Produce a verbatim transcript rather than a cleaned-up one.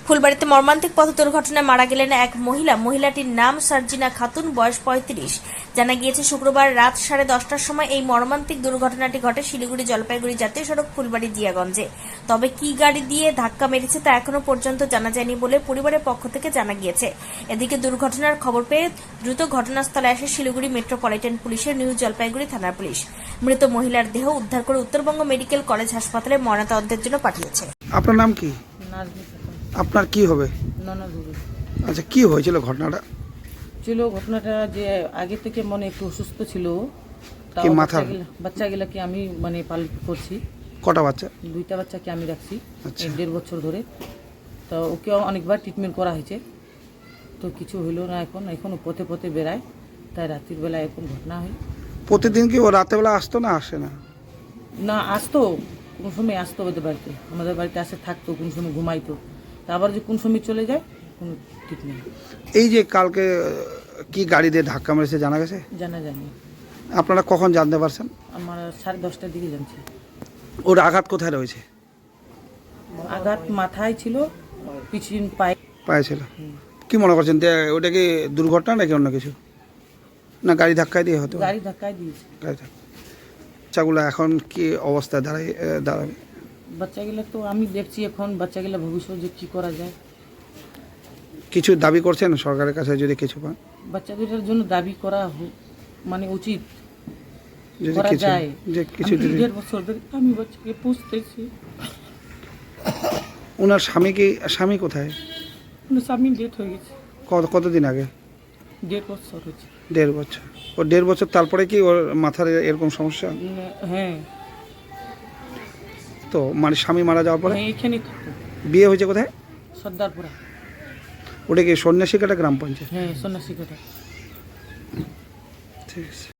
ফুলবাড়িতে মর্মান্তিক পথ দুর্ঘটনায় মারা গেলেন এক মহিলা। মহিলাটির নাম সার্জিনা খাতুন, বয়স পঁয়ত্রিশ। জানা গিয়েছে শুক্রবার রাত সাড়ে দশটার সময় এই মর্মান্তিক দুর্ঘটনাটি ঘটে শিলিগুড়ি জলপাইগুড়ি জাতীয় সড়ক ফুলবাড়ি জিয়াগঞ্জে। তবে কি গাড়ি দিয়ে ধাক্কা মেরেছে তা এখনো পর্যন্ত জানা যায়নি বলে পরিবারের পক্ষ থেকে জানা গিয়েছে। এদিকে দুর্ঘটনার খবর পেয়ে দ্রুত ঘটনাস্থলে আসে শিলিগুড়ি মেট্রোপলিটন পুলিশের নিউ জলপাইগুড়ি থানার পুলিশ। মৃত মহিলার দেহ উদ্ধার করে উত্তরবঙ্গ মেডিকেল কলেজ হাসপাতালে ময়নাতদন্তের জন্য পাঠিয়েছে। আপনার নাম কি? আপনার কি হবে? ননদ হবে। আচ্ছা, কি হয়েছিল ঘটনাটা? ছিল ঘটনাটা যে আগে থেকে মনে একটু অসুস্থ ছিল। কি মাথার? বাচ্চাগুলাকে আমি মানে পালন করছি। কটা বাচ্চা? দুইটা বাচ্চাকে আমি রাখছি আচ্ছা। এক দেড় বছর ধরে। তো ওকে অনেকবার ট্রিটমেন্ট করা হয়েছে, তো কিছু হইলো না। এখন এখনও পথে পথে বেড়ায়, তাই রাত্রির বেলা এখন ঘটনা হয়। প্রতিদিন কি ও রাতেবেলা আসতো না আসে না? না, আসতো, কোন সময় আসতো ওদের বাড়িতে, আমাদের বাড়িতে আসে থাকতো, কোন সময় ঘুমাইতো, তা আবার যে কোন সময় চলে যায় কোনো ঠিক নেই। এই যে কালকে কি গাড়ি দিয়ে ধাক্কা মেরেছে জানা গেছে? জানা যায়নি। আপনারা কখন জানতে পারছেন? আমার সাড়ে দশটার দিকে জানছি। ওর আঘাত কোথায় রয়েছে? আঘাত মাথায় ছিল, পিছন পায়ে পায়ে ছিল। কি মনে করছেন যে ওটা কি দুর্ঘটনা নাকি অন্য কিছু, না গাড়ি ধাক্কায় দিয়ে হতো? গাড়ি ধাক্কায় দিয়েছে। গাড়ি ধাক্কা। বাচ্চাগুলো এখন কি অবস্থায় দাঁড়ায় দাঁড়াবে? বাচ্চাগুলো তো আমি দেখছি এখন, বাচ্চাগুলো ভবিষ্যৎ যে কী করা যায়। কিছু দাবি করছেন সরকারের কাছে যদি কিছু পান? বাচ্চা দুটার জন্য দাবি করা হো- মানে উচিত যদি করা কিছু যায়। যে কিছু আমি যদি দেড় বছর ধরে আমি বাচ্চাকে পুষতেছি। ওনার স্বামী কি, স্বামী কোথায়? কিন্তু স্বামী ডেট হয়ে গেছে কত কতদিন আগে? দেড় বছর হয়েছে। দেড় বছর। ও দেড় বছর তারপরে কি ওর মাথার এরকম সমস্যা? উম, হ্যাঁ তো মানে স্বামী মারা যাওয়ার পরে হ্যাঁ এখানেই থাকতো। বিয়ে হয়েছে কোথায়? সর্দারপুরা। ওটা কি সন্ন্যাসী কাটা গ্রাম পঞ্চায়েত? হ্যাঁ সন্ন্যাসী কথা। ঠিক আছে।